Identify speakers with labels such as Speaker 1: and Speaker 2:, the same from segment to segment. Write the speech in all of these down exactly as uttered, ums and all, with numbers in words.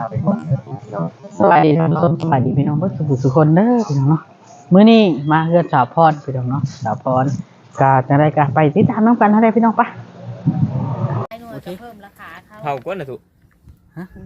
Speaker 1: สวัสดีท่านผู้ชมสวัสดีพี่น้องทุกทุกคนเด้อพี่น้องเนาะมื้อนี้มาเฮือนสาวพรพี่น้องเนาะสาวพรก็จะได้ก็ไปติดตามน้องกันเท่าไรพี่น้องปะ
Speaker 2: ไอ้หน่วยก็เพิ่มราคาเขา
Speaker 3: เผาก้นนะถูก
Speaker 1: ฮะ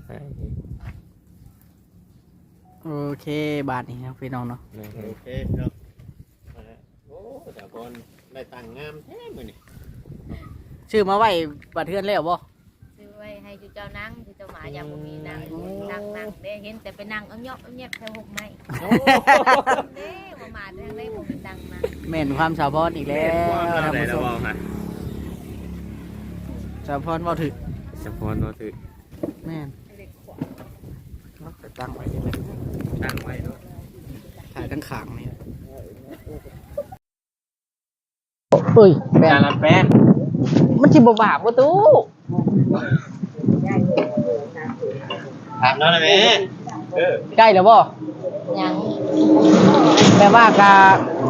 Speaker 1: โอเคบาทนี้ครับพี่น้องเนาะ
Speaker 3: โอเคเนาะโอ้แต่บอลได้ตังงามแท้มือนี่
Speaker 1: ชื่อมาไว้บัดเทือนแล้วบ่
Speaker 2: ซื้อไว้ให้จุเจ้านั่งจุเจ้าหมายังบ่มีนั่งนั่งนั่งเด้เห็นแต่ไปนั่งเอาเนาะเอาเนาะแค่หกไม้เด้บ่มาทางได้บ่มีตังมา
Speaker 1: แม่นความสาวพรอีกแล้วท่านผู้ชมสาวพรบ่ถึก
Speaker 3: สาวพรบ่ถึก
Speaker 1: แม่นตั้งไว้นี่เลย
Speaker 3: ตั้งไว้เนาะ
Speaker 1: ถ่ายทั้งขางนี่เอ้ยแป้นละแป้นมันสิบ่บาปบ่ตู้
Speaker 3: ถามน้องได้มั้ยเออ
Speaker 1: ใกล้แล้วบ่
Speaker 2: ยัง
Speaker 1: แปลว่ากะ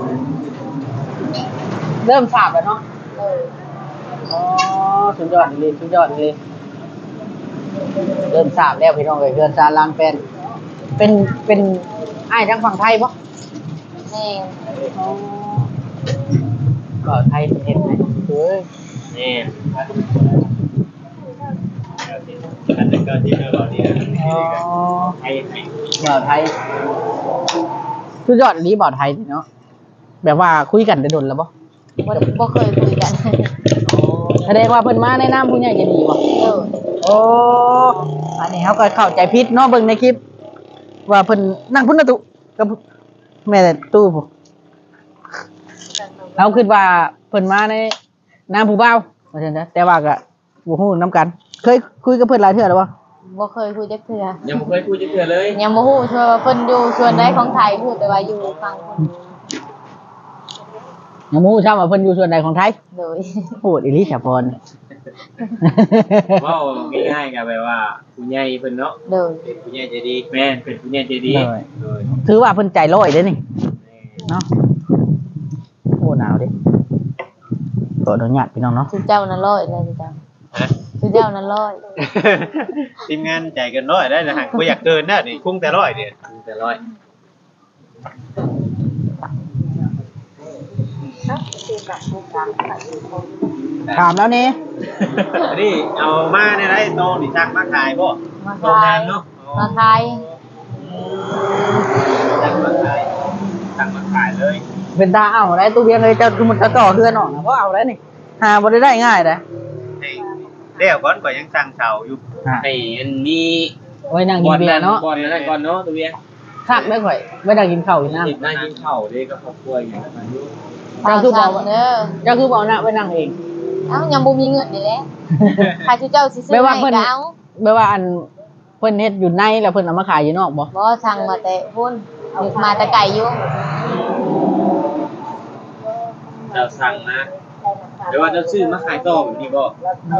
Speaker 1: เริ่มสาบแล้วเนาะเอออ๋อสุดยอดเลยสุดยอดเลยเริ่มสาบแล้วพี่น้องเอ้ยเรือนซาลางเป็นเป็นเป็นอ้ายทางฝั่งไทยบ่
Speaker 2: แม่
Speaker 1: อ๋อก็ไทยเฮ็ดให้เอ้ย
Speaker 3: นี่อันนี้ก็ที่เราเนี่ย
Speaker 1: อ๋อ
Speaker 3: ไทยไทย
Speaker 1: บ่าวไทยสุดยอดอันนี้บ่าวไทยเนาะแบบว่าคุยกันได้ดนแล้วบ่
Speaker 2: บ่บ่เคยคุยกัน
Speaker 1: แสดงว่าเพิ่นมาในนามผู้ใหญ่ใจดีบ่
Speaker 2: เออ
Speaker 1: โอ้อันนี้เขาก็เข้าใจผิดเนาะเบิ่งในคลิปว่าเพิ่นนั่งพุ่นน่ะตุกับแม่ตู้พุ่นเราคิดว่าเพิ่นมาในนามผู้บ่าวว่าซั่นซะแต่ว่าก็บ่ฮู้นำกันเคยคุยกับเพิ่นหลายเทื่อแล้วบ่
Speaker 2: บ่เคยคุยจักเทื่อ
Speaker 3: ยังบ่เคยคุยจักเทื่อเลย
Speaker 2: ยังบ่ฮู้ว่าเพิ่นอยู่ส่วนใดของไทยพูดแต่ว่าอยู่ฝั่งเพิ่น
Speaker 1: ยังบ่ฮู้ซ้ํว่าเพิ่นอยู่ส่วนใดของไทย
Speaker 2: โดย
Speaker 1: พูดอีหลีสะพร
Speaker 3: เว้าง่ายๆก็แบบว่าผู้ใหญ่เพิ่นเนาะ
Speaker 2: โดย
Speaker 3: เป็นผู้ใหญ่ใจดีแม่นเป็นผู้ใหญ่ใจดี
Speaker 1: ถือว่าเพิ่นใจร้อยเด้นี่เนาะโอ้หนาวดิขออนุญาตพี่น้องเนาะ
Speaker 2: จุเจ้านั่นร้อยเลยจุเจ้าฮะจุเจ้านั่นร้อย
Speaker 3: ทีมงานใจเกินร้อยได้นะฮะบ่อยากเกินนะนี่คงแต่ร้อยเด้คงแต่ร้อย
Speaker 1: ถามแล้วนี่
Speaker 3: นี่เอามาในไรโตนี่ชักมาขายบ่
Speaker 2: มาขายเนาะมาขาย
Speaker 3: ชักมาขายชักมาขายเลย
Speaker 1: เป็นตาเอาได้ตู้เบียงเลยจะมันจะต่อเฮือนออกนะเพราะเอาได้นี่หาบ่ได้ได้ง่ายเด้
Speaker 3: เดี๋ยวก่อนก็ยังสร้างเสาอยู่ไอ้อันนี้
Speaker 1: ไว้นั่งกินเบียร์เนาะ
Speaker 3: ก่อนนั่นก่อนเนาะตู้เบียง
Speaker 1: คักได้ข่อยไว้นั่งกินข้าวอยู่นั่น
Speaker 3: นั่งกินข้าวเด้กับครอบครัวอย่างนั้นอยู่
Speaker 1: จะคือบอกเด้อจะคือบอกนะไว้นั่งเอง
Speaker 2: เอ้ายังบ่มีเงินนี่แหละใครจุเจ้าสิซื้อให้ก็เอา
Speaker 1: แม่ว่าอันเพิ่นเฮ็ดอยู่ในแล้วเพิ่นเอามาขายอยู่นอกบ่
Speaker 2: บ่สั่งมาแต่พุ่นมาแต่ไกลอยู่
Speaker 3: เจ้าสั่งนะเดี๋ยวว่าเจ้าซื้อมาขายต่อแบบนี้บ่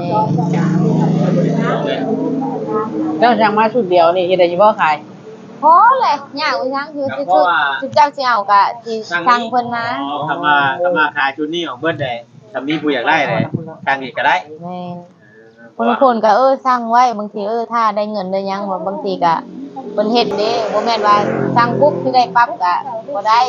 Speaker 1: เจ้าสั่งมาชุดเดียวนี่เฮ็ดได้อยู่บ่ขาย
Speaker 2: พอเลยยากอีหยังคือสิชุดจุเจ้าสิเอาก็สิสั่งเพิ่นมา
Speaker 3: อ๋อทำมาทำมาขายชุดนี้ของเพิ่นได้ถ้ามีผู้อยากได้เลยทางนี้ก็ได้
Speaker 2: แม่นบางคนก็เออสั่งไว้บางทีเออถ้าได้เงินได้ยังว่าบางทีก็เพิ่นเฮ็ดเด้บ่แม่นว่าสั่งปุ๊บสิได้ปั๊บก็บ่ได้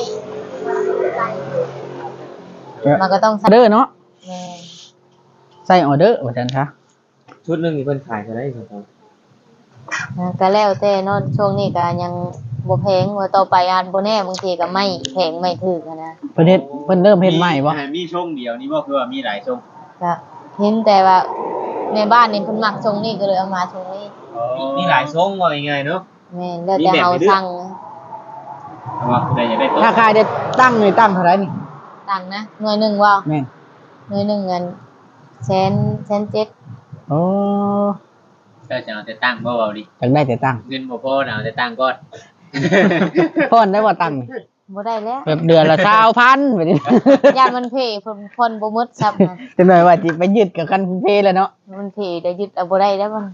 Speaker 2: มันก็ต้อง
Speaker 1: ออเดอร์เนาะ
Speaker 2: แม่น
Speaker 1: ใส่ออเดอร์ว่าซั่นซะ
Speaker 3: ชุดนึงนี่เพิ่นขายเท่าไหร่ครับ
Speaker 2: ก็แล้วแต่เนาะช่วงนี้ก็ยังบ่แพงว่าต่อไปอาจบ่แน่บางทีก็ไม่แพงไม่ถูกนะ
Speaker 1: เพิ่นเฮ็ดเพิ่นเริ่มเฮ็ดใหม่บ่
Speaker 3: มีช่วงเดียวนี่บ่คือว่ามีหลายช่วง
Speaker 2: ก็เห็นแต่ว่าในบ้านนี่เพิ่นมักช่วงนี้ก็เลยเอามาช่วงนี้
Speaker 3: มีหลายช่วงว่ายังไงเนาะ
Speaker 2: แม่นแล้วแต่เฮาสั่ง
Speaker 3: ว่าผู้ใดอยากได้
Speaker 1: ราคาจะตั้งนี่ตั้งเท่าไหร่นี่
Speaker 2: ตั้งนะหน่วยนึงว่า
Speaker 1: แม่น
Speaker 2: หน่วยนึงเงินแสนแสนเจ็ด
Speaker 1: โอ้
Speaker 3: ก็จะเอาแต่ตั้งบ่เว้าดิ
Speaker 1: จังได้แต่ตั้ง
Speaker 3: เงินบ่พอน่ะเอาแต่ตั้งก่อน
Speaker 1: พอนได้บ่ตั้ง
Speaker 2: บ่ได้แล้ว
Speaker 1: แบบเดือนละ สองพัน แบบนี้
Speaker 2: ย่านมันเพเพิ่นเพิ่นบ่หมดซับนะ
Speaker 1: จังได๋ว่าสิไปยึดกับคันเพแล้วเนาะ
Speaker 2: มันเพได้ยึดเอาบ่ได้แล้วมัน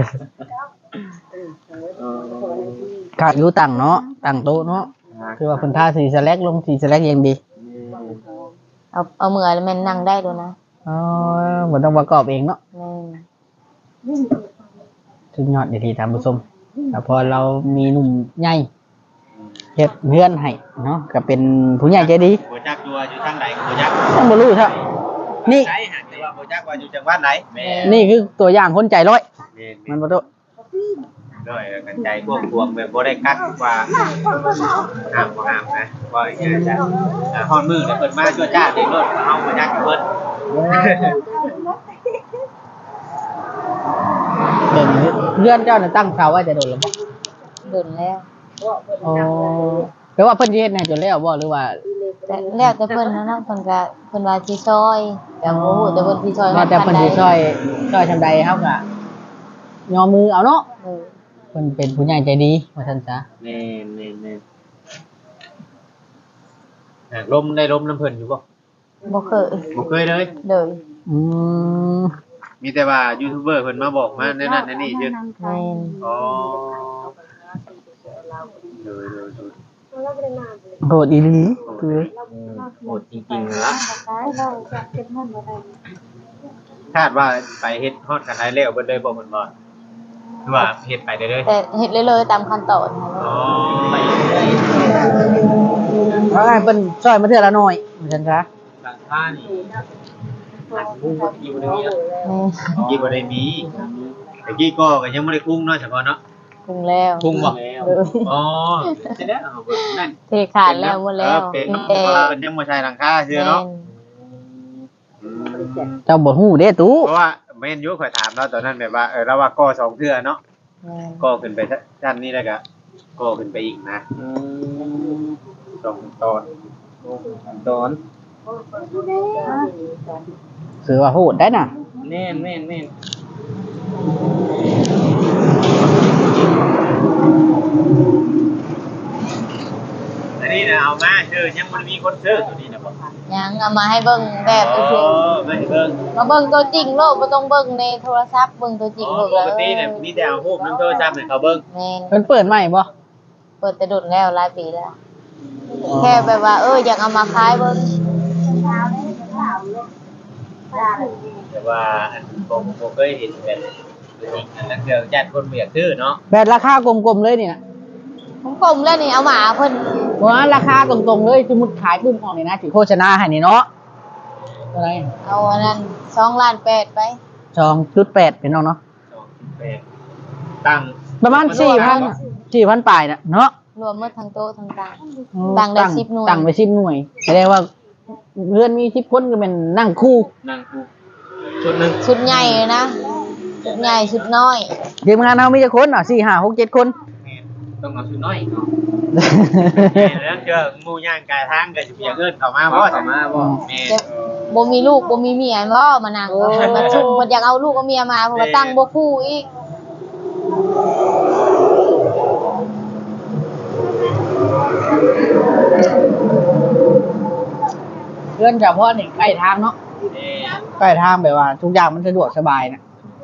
Speaker 1: ก็อยู่ตั้งเนาะตั้งโต๊ะเนาะคือว่าเพิ่นทาสีสแลกลงสีสแลกอย่างดี
Speaker 2: เอาเอามือแล้วมันนั่งได้ด้วยนะ
Speaker 1: อ๋อบ่ต้องประกอบเองเนาะ
Speaker 2: แม่น
Speaker 1: ถึงยอดดีๆท่านผู้ชมแต่พอเรามีหนุ่มใหญ่เฮ็ดเฮือนให้เนาะก็เป็นผู้ใหญ่ใจดี
Speaker 3: บ่จักอยู่ว่าอยู่ทางใดก็บ่จัก
Speaker 1: ต้องบ่รู้ครับนี่
Speaker 3: ใช่หากแต่ว่าบ่จักว่าอยู่จังหวัดไหนแม่
Speaker 1: นี่คือตัวอย่างคนใจร้อย
Speaker 3: แม่
Speaker 1: มันบ่ตุ
Speaker 3: ด้วยกันใจพวกพวงแบบบ่ได้กักว่าห้ามบ่ห้ามนะว่าอย่างนี้จ้ะอ่าฮอดมือแล้วเพิ่นมาชั่วจ้าเด็กรถเฮาบ่จักเพิ่น
Speaker 1: เบิ่งเฮือนเจ้าน่ะตั้งเสาไว้แต่โดนแล้วบ่
Speaker 2: ดุนแล้ว
Speaker 1: อ๋อแปลว่าเพิ่นสิเฮ็ดให้จนแล้วบ่หรือว่า
Speaker 2: แต่แล้วแต่เพิ่นนะเนาะเพิ่นก็เพิ่นว่าสิซอยแต่บ่ฮู้แต่เพิ่นสิซอย
Speaker 1: ว่าแต่เพิ่นสิช่วยช่วยทำใดเฮาก็ยอมมือเอาเนาะ
Speaker 2: เออ
Speaker 1: เพิ่นเป็นผู้ใหญ่ใจดีว่าซั่นซะ
Speaker 3: แม่นแม่นแม่นอ่าลมได้ลมน้ำเพิ่นอยู่บ่
Speaker 2: บ่เคย
Speaker 3: บ่เคยเลย
Speaker 2: เลย
Speaker 1: อืม
Speaker 3: มีแต่ว่ายูทูบเบอร์เพิ่นมาบอกมาแนั่นนั่นแนั่นนี่ชื่อ
Speaker 2: แม่น
Speaker 3: อ๋อเลยเลยเลย
Speaker 1: โหดอีหลีคือ
Speaker 3: โหดจริงๆนะคาดว่าไปเฮ็ดฮอดกันได้แล้วเบิดเลยบ่เพิ่นบ่หรือว่าเฮ็ดไปได้เลย
Speaker 2: แต่เฮ็ดเลยๆตามขั้นตอน
Speaker 3: อ๋อไปเรื่อย
Speaker 1: ว่าไงเพิ่นช่วยมาเทื่อละหน่อยว่าซั่นซะ
Speaker 3: ๆหลังคานี่อันผู้อยู่ในนี้
Speaker 2: แม่น
Speaker 3: กี่บ่ได้มีแต่กี้ก็ก็ยังบ่ได้คุ้งเนาะเฉพาะเนาะ
Speaker 2: ถึงแล้ว
Speaker 3: คุ้งบ่
Speaker 2: เลย
Speaker 3: อ๋อใช่แล้วเอาเบิ่งนั่น
Speaker 2: เทขาดแล้วหมดแล้ว
Speaker 3: เป็น
Speaker 2: มี
Speaker 3: เนาะ
Speaker 2: แต่
Speaker 3: เพิ่นยังบ่ใช้หลังคาเชื่อเนาะ
Speaker 1: เจ้าบ่ฮู้เด้ตู้
Speaker 3: เพราะว่าแม่นอยู่ข่อยถามเราตอนนั้นแบบว่าเออเราว่าก่อสองเทื่อเนาะ
Speaker 2: แม่น
Speaker 3: ก่อขึ้นไปชั้นนี้แล้วก็ก่อขึ้นไปอีกนะสองตอนตอน
Speaker 1: คือว่าโหดได้น่ะ
Speaker 3: แม่นแม่นแม่นอันนี้นะเอามาชื่อยังมันมีคนซื้อตัวนี้นะบ่
Speaker 2: ยังเอามาให้เบิ่งแบบ
Speaker 3: โอ้
Speaker 2: เฉย
Speaker 3: ไม่เบิ่ง
Speaker 2: ๆมาเบิ่งตัวจริงโลกบ่ต้องเบิ่งในโทรศัพท์เบิ่งตัวจริง
Speaker 3: อ๋อ
Speaker 2: โลก
Speaker 3: ปกติเนี่ยมีแต่เอารูปน้ำโทรศัพท์ให้เขาเบิ่ง
Speaker 2: แม่น
Speaker 1: เพิ่นเปิดใหม่บ่
Speaker 2: เปิดแต่ดุนแล้วหลายปีแล้ว แค่แบบว่าเอออยากเอามาขายเบิ่ง
Speaker 3: แต่ว่าอันผมผมเคยเห็นแบบตัวจริงอันนั้นเดี๋ยวญาติคนบ่อยากซื้อเนาะ
Speaker 1: แบบราคากลมๆเลยนี่น่ะ
Speaker 2: ผมกลมแล้วนี่เอาหมาเพิ่น
Speaker 1: ว่าราคาตรงๆเลยสมมุติขายปุ๊บออกนี่นะสิโฆษณาให้นี่เนาะเท่าไหร่
Speaker 2: เอาอันนั้นสองล้านแปดไป
Speaker 1: สองจุดแปดเป็นน้องเนาะ
Speaker 3: สองสิบแปดตั้ง
Speaker 1: ประมาณสี่พัน สี่พันปลายน่ะเนาะ
Speaker 2: รวมหมดทั้งโต๊ะทั้งต่าง ตั้งได้สิบหน่วย
Speaker 1: ตั้งไปสิบหน่วยแสดงว่าเพื่อนมีสิบคนก็เป็นนั่งคู่
Speaker 3: นั่งกูชุดหนึ่ง
Speaker 2: ชุดใหญ่เลยนะชุดใหญ่ชุดน้อย
Speaker 1: ทีมงานเรามีจะคนอ่ะสี่ห้าหกเจ็ดคน
Speaker 3: ต้องเอาชุดน้อยเนาะแล้วเจอหมู่ย่างกายทางก็จะมีอย่างอื่นเข้ามาบ่เข้ามาบ่แม่
Speaker 2: แต่บ่มีลูกบ่มีเมียบ่มานั่งมาชุมเพิ่นอยากเอาลูกเอาเมียมาเพิ่นก็ตั้งบ่คู่อีก
Speaker 1: เพื่อนเฉพาะนี่ใกล้ทางเนาะ
Speaker 3: นี่
Speaker 1: ใกล้ทางแบบว่า ทุกอย่างมันสะดวกสบายนะ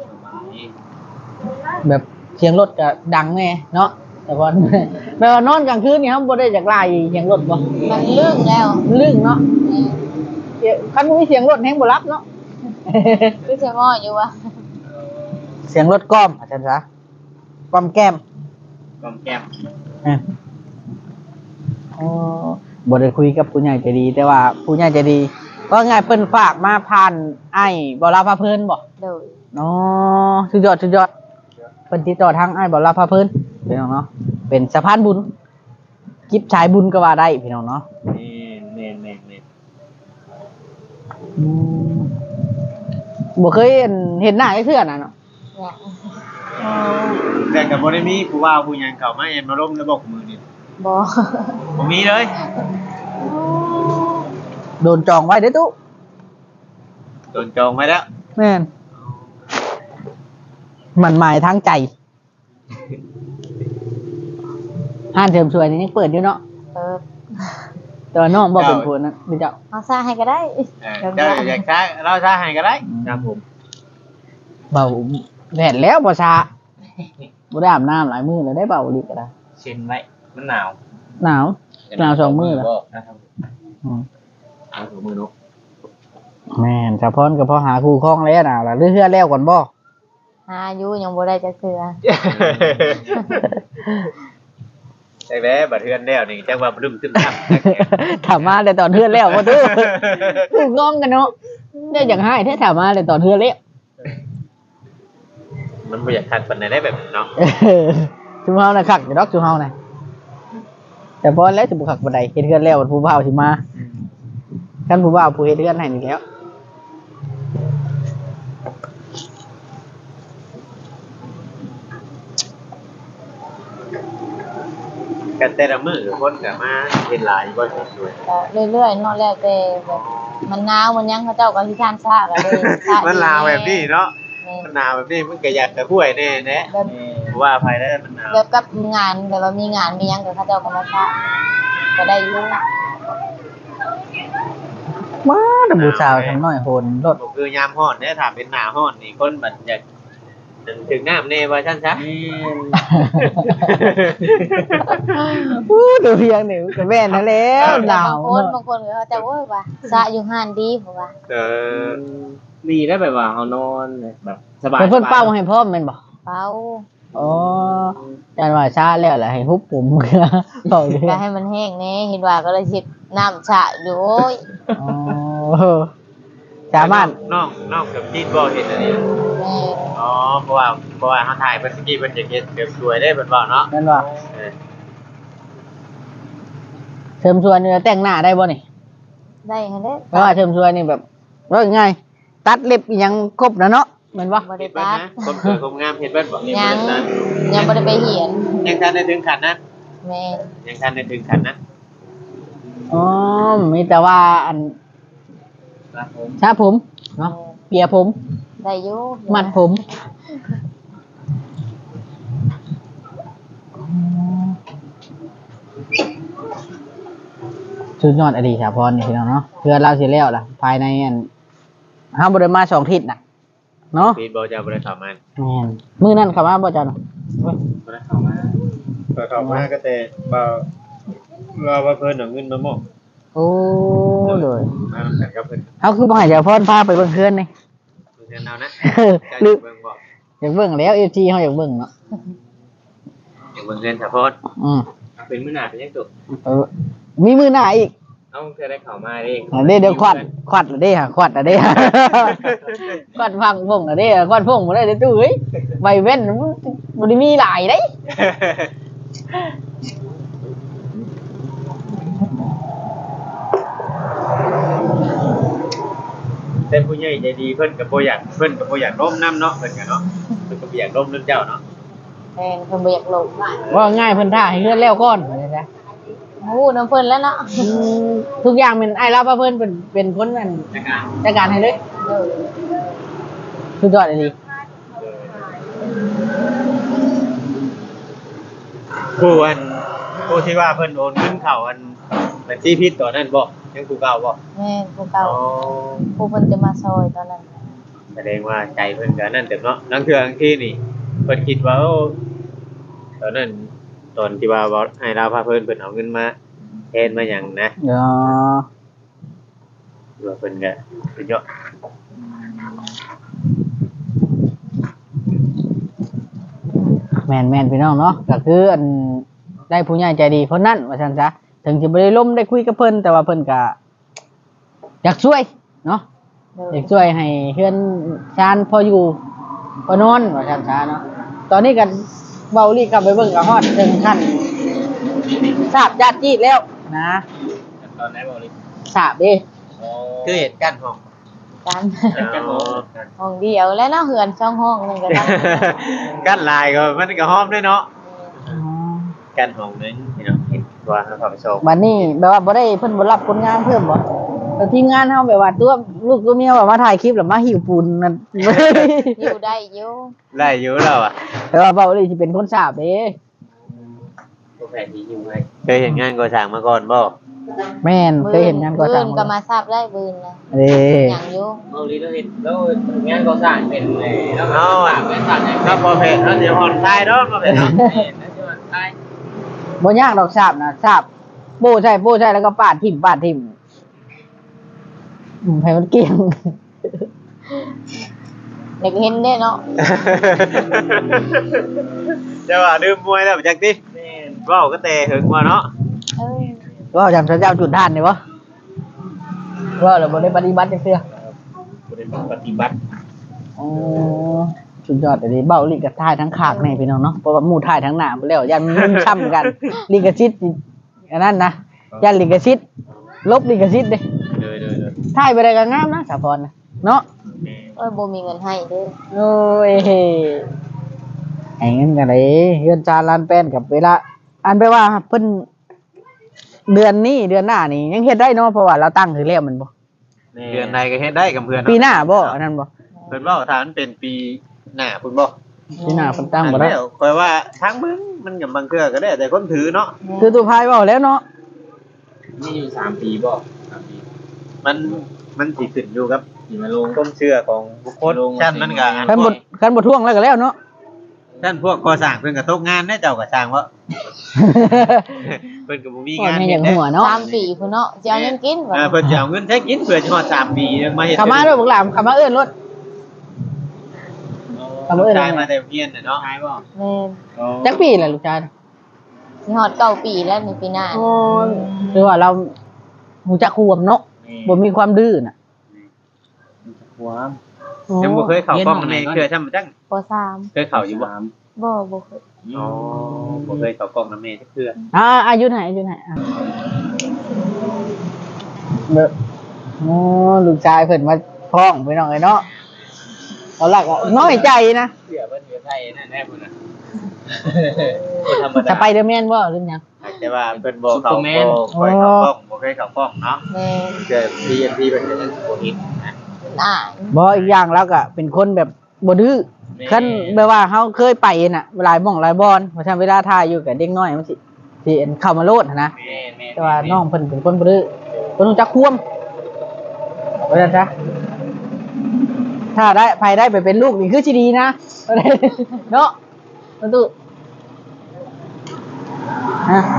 Speaker 1: แบบเสียงรถก็ดังแน่เนาะแต่ว่า แบบว่านอนกลางคืนนี่ครับบ่ได้จากไล่เสียงรถบ่
Speaker 2: มันลึ่งแล้ว
Speaker 1: มันลึ่งเนาะเสียงคันมีเสียงรถแฮงบ่รับเนาะ
Speaker 2: คือจะง้ออยู่วะ
Speaker 1: เสียงรถก้อมอาจารย์ซะก้อมแก้ม
Speaker 3: กอมแก้ม
Speaker 1: อ่ะอ๋อบ่ได้คุยกับผู้ใหญ่ใจดี แต่ว่าผู้ใหญ่ใจดีก็ง่ายเพิ่นฝากมาผ่านไอ้บ่ลาพาเพิ่นบ่
Speaker 2: โดย
Speaker 1: อ๋อสุดยอดสุดยอดเพิ่นติดต่อทางไอ้บ่ลาพาเพิ่นพี่น้องเนาะเป็นสะพานบุญกิบชายบุญก็ว่าได้พี่น้องเนาะ
Speaker 3: นี่แม่นแม่นแม่น
Speaker 1: อืมบ่เคยเห็นเห็นหน้าไอ้เทื่อน่ะเนาะ
Speaker 2: เนี่ย
Speaker 3: แต่ก็บ่ได้มีผู้ว่าผู้หยังเข้ามาแอนมาล้มแล้วบอกมือนี่
Speaker 2: บ่
Speaker 3: บ่มีเลย
Speaker 1: โดนจองไว้เด้อตุ๊
Speaker 3: โดนจองไว้แล้ว
Speaker 1: แม่นมันหมายทางใจห้านเสริมสวยนี่ยังเปิดอยู่เนาะ
Speaker 2: เปิด
Speaker 1: แต่ว่าน้องบ่เป็นคนนะพี่เจ้า
Speaker 2: เอาสร้างให้ก็ได้
Speaker 3: เออเจ้าอยากช้าเราช้าให้ก็ได้ครับผม
Speaker 1: เบาแดดแล้วบ่ชาบ่ได้อาบน้ำหลายมื้อแล้วได้เบาลิก็ได้
Speaker 3: เช็นไว้มันหนาว
Speaker 1: หนาวหนาวสองมื้อแล้ว
Speaker 3: นะครับ
Speaker 1: อืม
Speaker 3: เอาสองมือเนาะ
Speaker 1: แม่นสะพอนก็พอหาคู่ครองแล้วน่ะล่ะเรื่อยๆแล้วก่อนบ่
Speaker 2: หาอยู่ยังบ่ได้จักเทื่อ
Speaker 3: ใช่ไหมบัดเทือนแล้วนี่จังว่าบึ้มตึ้มตั้ม
Speaker 1: ถามมาแต่ตอนเทือนแล้วบ่ตู้งงกันเนาะได้อย่างให้แท้ถามมาแต่ตอนเทือนแล้ว
Speaker 3: มันบ่อยากทักปานใดได้แบบเนาะ
Speaker 1: ชุมเฮาน่ะคักอยู่ดอกชุมเฮาน่ะแต่พอแล้วสิบ่คักบ่ได้เฮ็ดเทือนแล้วผู้บ่าวสิมาคันผู้บ่าวผู้เฮ็ดเทือนให้นี่แล้ว
Speaker 3: กันแต่ละมื้อคนก็มาเฮ็ดหลายบ่เห็นด้วย
Speaker 2: ก็เรื่อยๆเนาะแล้วแต่แบบมันหนาวมันหยังเขาเจ้าก็สิทานซ่าก็เลยซ่า
Speaker 3: มันลาวแบบนี้เนาะ
Speaker 2: แม่
Speaker 3: มันหนาวแบบนี้มันก็อยากจะห้วยแน่แน่
Speaker 2: แบบ
Speaker 3: เพราะว่าภายได้มันหนาว
Speaker 2: แบบกับงานแบบว่ามีงานมีหยังก็เขาเจ้าก็มาซ่าก็ได้อยู่
Speaker 1: มาดำผู้สาวทำน้อยโหนรถ
Speaker 3: บ่คือยามร้อนเด้ถ้าเป็นหน้าร้อนนี่คนมันอยากถึงน้ำแน่ว่าซั่นซะ
Speaker 1: อู้ดูเพียงนี่ก็แม่นนั่นแล้วหนาว
Speaker 2: บางคนบางคนก็เขาจะโอ้ยว่าซะอยู่ห้านดีเพราะว่า
Speaker 3: เออ
Speaker 4: ดีได้แบบว่าเขานอนแบบสบาย
Speaker 1: เพิ่นเป้าให้พร้อมแม่นบ่
Speaker 2: เป้า
Speaker 1: อ๋อจันว่าชาแล้วแหละให้ฮุบผมบอกเลย
Speaker 2: ก็ให้มันแห้งแน่เห็นว่าก็เลยสิน้ำชะอยู่โอ้ย
Speaker 1: อ๋อสามารถ
Speaker 3: น้องน้องกับจีนบ่เห็นอันนี้
Speaker 2: แม่
Speaker 3: อ๋อเพราะว่าเพราะว่าเขาถ่ายเพิ่นสกี้เพิ่นจะเฮ็ดเก็บสวยได้เพิ่นว่าเนาะ
Speaker 1: นั่นว่า
Speaker 3: เออ
Speaker 1: เชิมชวนนี่แต่งหน้าได้บ่นี่
Speaker 2: ได้หั่นเด้
Speaker 1: เพราะว่าเชิมชวนนี่แบบว่าง่ายตัดเล็บอีหยังครบนะเนาะแม่นบ่
Speaker 2: บ่
Speaker 3: เฮ็
Speaker 2: ได้
Speaker 3: ดเบิ่ง
Speaker 2: ตัด
Speaker 3: นะคนสวยคนงามเฮ็ดเบิ่งบ่
Speaker 2: ยังยังบ่ได้ไปเหียน
Speaker 3: ยังทันได้ถึงขันนะ
Speaker 2: แม่
Speaker 3: ยังทันได้ถึงขันนะ
Speaker 1: อ๋อมีแต่ว่าอัน
Speaker 4: ครับผม
Speaker 1: ชาผมเนาะเปียผม
Speaker 2: ได้อยู่
Speaker 1: มัดผมสุดยอดอดีตสาพรนี่พี่น้องเนาะเพื่อเราสิแล้วล่ะภายในอันห้าบริมาสองทิศน่ะเนาะ
Speaker 3: ปีนบ่จะบ่ได้เข้ามา
Speaker 1: แม่นมื้อนั้นเข้ามาบ่จ้ะเนาะ
Speaker 3: บ่ได้เข้ามาก็เข้ามาก็แต่บ่รอว่าเพิ่นเอาเงินมามอบ
Speaker 1: โอ้โดย
Speaker 3: มานำกันกับเพิ่น
Speaker 1: เฮาคือบ่ให้สาพรพาไปเบิ่งเฮือนนี่
Speaker 3: เพิ่นเอานะ
Speaker 1: หรือ
Speaker 3: เบิ่งบ่
Speaker 1: อยากเบิ่งแล้ว เอฟ ซี เฮาอยากเบิ่งเนาะ
Speaker 3: เดี๋ยวเบิ่งเงินสะพอน
Speaker 1: อืม
Speaker 3: เป็นมื้อหน้าเป็นยังตุ
Speaker 1: เออมีมื้อหน้าอีก
Speaker 3: เอ้าเธอได้เข้ามาเด้
Speaker 1: อันนี้เดี๋ยวควัดควัดละเด้ฮะควัดละเด้ ฮะ ควัดฟังพงละเด้ฮะควัดพงบ่ได้เด้อตู้เอ้ยใบเว้นมันบ่ได้มีหลายเด้
Speaker 3: แต่ผู้ใหญ่ใจดีเพิ่นก็บ่อยากเพิ่นก็บ่อยากล้มน้ำเนาะเพิ่นก็เนาะเพิ่นก็บ่อยากล้มน้ำเจ้าเนาะ
Speaker 2: แม่เพิ่นบ่อยากลง
Speaker 1: ว่าง่ายเพิ่นท่าให้เฮือนแล้วก่อนว่าจังซะ
Speaker 2: โอ้น้ำเพิ่นแล้วเนาะ
Speaker 1: อืมทุกอย่างเป็นอ้ายรับว่าเพิ่นเป็นเป็นคนนั่น
Speaker 3: ในการ
Speaker 1: จัดการให้เลย
Speaker 2: เออ
Speaker 1: สุดยอดเลยดิ
Speaker 3: ผู้อันผู้ที่ว่าเพิ่นโอนเงินเข้าอันบัญชีผิดตอนนั้นบ่ยังผู้เก่าบ่
Speaker 2: แม่ผู้เก่า
Speaker 3: อ๋อ
Speaker 2: ผู้เพิ่นจะมาซอยตอนนั้น
Speaker 3: แสดงว่าใจเพิ่นก็นั่นเต็มเนาะนั่นคืออันที่นี่เพิ่นคิดว่าโอ้ตอนนั้นตอนที่ว่าเว้าให้เราพาเพิ่นเพิ่นเอาเงินมาแทนมาหยังนะ
Speaker 1: อ๋อ
Speaker 3: ว่าเพิ่นก็สุดยอด
Speaker 1: แม่นแม่นพี่น้องเนาะก็คืออันได้ผู้ใหญ่ใจดีคนนั้นว่าซั่นซะถึงจะบ่ได้ล้มได้คุยกับเพิ่นแต่ว่าเพิ่นก็อยากช่วยเนาะ
Speaker 2: เออ
Speaker 1: อยากช่วยให้เฮือนชานพออยู่พอนอนว่าซั่นซะเนาะตอนนี้ก็เว้าลีกลับไปเบิ่งก็ฮอดถึงขั้นทราบญาติจีดแล้วนะ
Speaker 3: ตอนไหนบ่ลิ
Speaker 1: ทราบเด้
Speaker 3: คือเหตุการณ์ของ
Speaker 2: กัน
Speaker 3: กันบ่
Speaker 2: ห้องเดียวแล้วเนาะเฮือนช่องห้องหนึงก็ได้
Speaker 3: กันลายก็มันก็หอมด้วยเนาะ
Speaker 1: อ๋อ
Speaker 3: กันห้องนึงพี่น้องเห็นว่าเขาเข้าไปส่ง
Speaker 1: บัดนี้แบบว่าบ่ได้เพิ่นบ่รับคนงานเพิ่มบ่แต่ทีมงานเฮาแบบว่าตัวลูกตัวเมียว่ามาถ่ายคลิปแล้วมาหิวปูนนั่น
Speaker 2: อยู่ได้อยู่
Speaker 3: ไล่อยู่แล้วอ่ะ
Speaker 1: แต่ว่าเบาเลยสิเป็นคนทราบเด้
Speaker 3: บ่แพ้ที่อยู่ไงเคยเห็นงานก่อสร้างมาก่อนบ่
Speaker 1: แม่นเคยเห็นงานก่อสร้าง
Speaker 2: บืนก็มาทราบได้บืนนะ
Speaker 1: เด้
Speaker 2: หยังอยู่
Speaker 4: เมาลีแล้วเห็นแล้วงานก่อสร้างเป็นเลยแล้ว
Speaker 3: เอาอ่ะ
Speaker 4: เป็นสร้างอย่าง
Speaker 3: ถ้าบ่แพ้เขาสิผ่อนคลายดอกบ่แพ้เนาะ
Speaker 4: เห็นแล้วจะมาใต้
Speaker 1: บ่ยากดอกทราบนะทราบโบ้ใช่โบ้ใช่แล้วก็ปาดทิ่มปาดทิ่มอืมให้มันเกลี้ยง
Speaker 2: เด็กเห็นได้เนาะ
Speaker 3: จะว่าดื่มมวยแล้วจักติเว้าก็แต่หึงว่าเนาะ
Speaker 2: เออ
Speaker 1: ว่าจำพระเจ้าจุดท่านนี่บ่ว่าเราบ่ได้ปฏิบัติจังซี่
Speaker 4: บ่ได้ปฏิบัติ
Speaker 1: อ๋อสุดยอดเลยเบ้าลิกับท่ายทั้งขากในพี่น้องเนาะเพราะว่าหมู่ท่ายทั้งหน้าไปแล้วยันมันช้ำกันลิกชิตอันนั้นนะยันลิกชิตลบลิกชิตเด้
Speaker 3: เด้อๆ
Speaker 1: ท่ายไปได้ก็งามนะสาพรนะเนาะ
Speaker 2: เอ้ยบ่มีเงินให้เด้อ
Speaker 1: โอ้ยไอ้เงินกันเลยเฮือนจานล้านแป้นกับเวลาอันไปว่าเพิ่นเดือนนี้เดือนหน้านี่ยังเฮ็ดได้เนาะเพราะว่าเราตั้งถือแล้วมันบ่
Speaker 3: ๆเดือนใดก็เฮ็ดได้กับเพื่อน
Speaker 1: ปีหน้าบ่อันนั้นบ่
Speaker 3: เพิ่นเว้าถ้ามันเป็นปีหน้าพุ่นบ่
Speaker 1: ปีหน้าเพิ่นตั้งบ่ได้
Speaker 3: แล้วข่อยว่าทางมึงมันก็บางเทื่อก็ได้แต่คนถือเนาะ
Speaker 1: คือตัวพายเว้าแล้วเนาะ
Speaker 4: นี่อยู่สามปีบ่สามปี
Speaker 3: มันมันสิขึ้นอยู่กับ
Speaker 4: สิมาลง
Speaker 3: ความเชื่อของบุคคล
Speaker 4: ลง
Speaker 3: ชั้นมันก็อัน
Speaker 1: คัน
Speaker 3: พ
Speaker 1: บ่
Speaker 3: วก
Speaker 1: คันบ่ท่วงแล้วก็แล้วเนาะ
Speaker 3: ชั้นพวกก่อสร้างเพิ่นก็ตกงานได้เจ้าก็สร้างว่าเพิ่นก็บ่มี
Speaker 1: ก่อน
Speaker 3: งาน
Speaker 1: ให้อ
Speaker 3: เฮ็
Speaker 1: ย่า
Speaker 3: ด
Speaker 1: ง
Speaker 3: เด้
Speaker 1: หัวเนาะ
Speaker 2: สามปีพุ่นเนาะจะเอาเงินกินบ่
Speaker 3: เออเพิ่นจะเอาเงินใช้กินเพื่อจะฮอดสามปียังมาเฮ็ด
Speaker 1: เข้ามาด้วยพวกหลานเข้ามาเอิ้นรถ
Speaker 3: ทำเอิ้นได้มาแต่เฮียนน่ะเนาะ
Speaker 4: ใช่บ่
Speaker 2: แม่น
Speaker 1: จักปีแหละลูกชาย
Speaker 2: สิฮอดเก้าปีแล้วในปีหน้า
Speaker 1: อ๋อคือว่าเราฮู้จักควมเนาะบ่มีความดื้อน่ะ
Speaker 4: หัว
Speaker 3: ยังบ่เคยเข้ากล้องในเครือช่ำจัง
Speaker 2: ปสาม
Speaker 3: เคยเข้าอยู่บ่
Speaker 2: บ่บ่เคย
Speaker 3: อ๋อบ่เคยเข้ากล้องนำแม่จักเทื่อ
Speaker 1: อ่าอายุไหนอายุไหนอ่ะเด้ออ๋อลูกชายเพิ่นมาพ้องไปน้องไอ้เนาะเอาหลักอ่ะน้อยใจนะ
Speaker 3: เชื่อเพิ่นอยู่ไทยนั่นแน่พุ่นน่ะบ่ธรรมดา
Speaker 1: สไปเดอร์แมนบ่หรือหยัง
Speaker 3: แต่ว่าเพิ่นบ่เข้าบ่เคยเข้ากล้องบ่เคยเข้ากล้องเนาะ
Speaker 2: แม่น
Speaker 3: เจอ พี เอ็น พี เพิ่นก็ยังบ่เห็นนะ
Speaker 2: อ่า
Speaker 1: บ่อีกอย่างแล้วก็เป็นคนแบบบ่ดื้อคันแบบว่าเฮาเคยไปน่ะหลายหม่องหลายบอนเพราะฉะนั้นเวลาถ่ายอยู่กับเด็กน้อยมันสิสิเข้ามาโลดหั้นนะ
Speaker 3: แม่แม่
Speaker 1: แต่ว่าน้องเพิ่นเป็นคนบ่ดื้อเพิ่นรู้จักควมว่าซั่นซะถ้าได้ภายได้ไปเป็นลูกนี่คือสิดีนะ เนาะประตูฮะ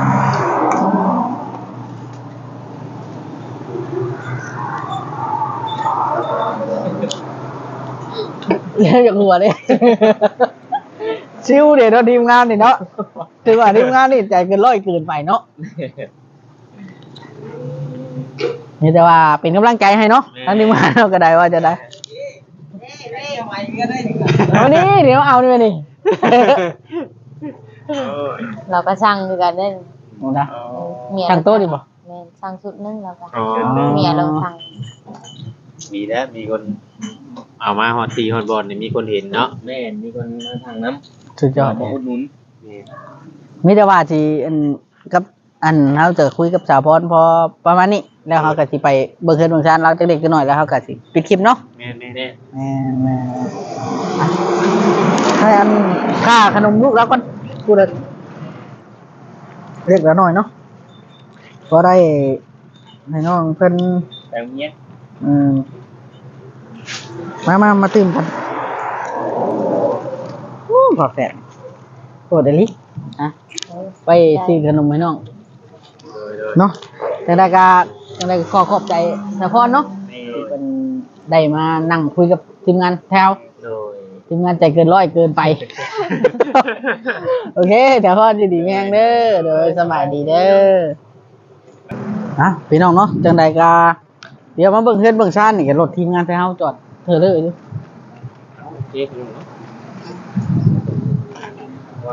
Speaker 1: เรียกอย่างหัวเลย ชิวเดี๋ยวเราทีมงานนี่เนาะถือว่าทีมงานนี่ใจเกินร้อยเกินไปเนาะนี่แต่ว่าเป็นกำลังใจให้เนาะทั้งทีมงานเราก็ได้ว่าจะได้เอานี่เดี๋ยวเอานี่มานี่
Speaker 3: โอ้ย
Speaker 2: เราก็สั่งคือกันเด้อ
Speaker 1: นะ
Speaker 2: เมีย
Speaker 1: ช่างโต๊ะดิบ่
Speaker 2: แม่นสั่งชุดหนึงแล้วก็
Speaker 3: อ๋อ
Speaker 2: เมียเราสั่ง
Speaker 3: มีแล้วมีคนเอามาฮอดตีฮอดบอลนี่มีคนเห็นเนาะ
Speaker 4: แม่นมีคนมาทางน้ำ
Speaker 1: สุดยอด
Speaker 4: มา
Speaker 1: เลย
Speaker 4: อุดหนุน
Speaker 1: มิแต่ว่าที่อันกับอันเราจะคุยกับสาวพรพอประมาณนี้แล้วเขาก็สิไปเบิ่งเฮือนเบิ่งชานเราจักเล็กจักน้อยแล้วเขาก็สิปิดคลิปเนาะ
Speaker 3: แม่แม่
Speaker 4: แน่
Speaker 1: แม่แม่ให้อันค่าขนมลูกแล้วก่อนพูดเลยเรียกแล้วหน่อยเนาะก็ได้ให้น้องเพิ่น
Speaker 4: แต่เนี้ย
Speaker 1: อืมมามามาตื่มกันโอ้ขอแฟนโอ้เดลิอ่ะไปซื้อขนมให้น้องเนาะจังได๋ก็จังได๋ก็ขอขอบใจสะพรเนาะ
Speaker 4: แม่
Speaker 1: ที่เป็นได้มานั่งคุยกับทีมงานแถว
Speaker 3: โดย
Speaker 1: ทีมงานใจเกินร้อยเกินไป โอเคแถวพรดีๆแม่งเด้อโดยสบายดีเด้ออ่ะพี่น้องเนาะจังใดก็เดี๋ยวมาเบิ่งเฮือนเบิ่งชานนี่ก็รถทีมงานแถวจอดเธอเลยอยู่
Speaker 4: เจ๊คุณเนาะวัน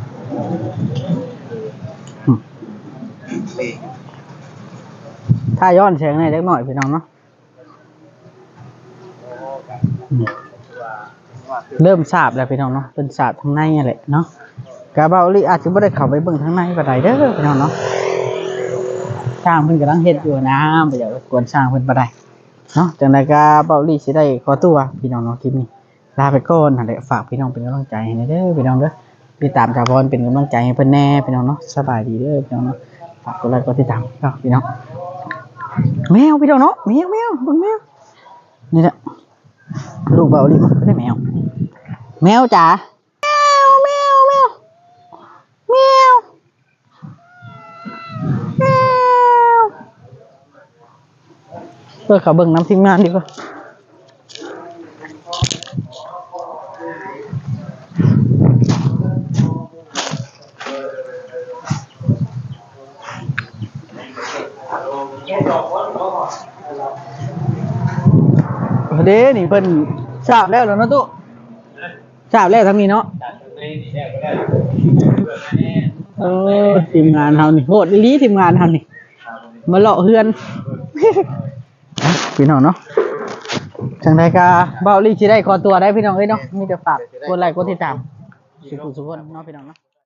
Speaker 1: ถ้าย้อนแสงหน่อยเล็กหน่อยพี่น้องเนาะอืมเริ่มทราบแล้วพี่น้องเนาะเป็นทราบทางในนี่แหละเนาะกาเบาลิอาจจะไม่ได้เข้าไปเบิ่งทางในก็ได้เด้อพี่น้องเนาะช่างเพิ่นกำลังเฮ็ดอยู่นะบ่อยากรบกวนช่างเพิ่นบ่ได้เนาะจังไดก็เบาลิสิได้ขอตัวพี่น้องเนาะคลิปนี้ลาไปก่อนนั่นแหละฝากพี่น้องเป็นกำลังใจให้เด้อพี่น้องเด้อติดตามชาวพรเป็นกำลังใจให้เพิ่นแน่พี่น้องเนาะสบายดีเด้อพี่น้องเนาะฝากกดไลค์กดติดตามเนาะพี่น้องแมวพี่น้องเนาะแมวแมวเบิ่งแมวนี่แหละลูกเบาลิมันก็ได้แมวแมวจ๋าแมวแมวแมวแมวเพื่อเขาเบิ่งน้ำทีมงานดีกว่าเด้นี่เพิ่นทราบแล้วแล้วเนาะตุ๊ทราบแล้วทั้งนี้เนาะเออทีมงานเฮานี่โหดอีหลีทีมงานเฮานี่มาเลาะเฮือนพี่น้องเนาะจังไดก็เบ้าลี่สิได้ขอตัวได้พี่น้องเอ้ยเนาะมีแต่ฝากกดไลค์กดติดตามสุขสุขคนเนาะพี่น้องเนาะ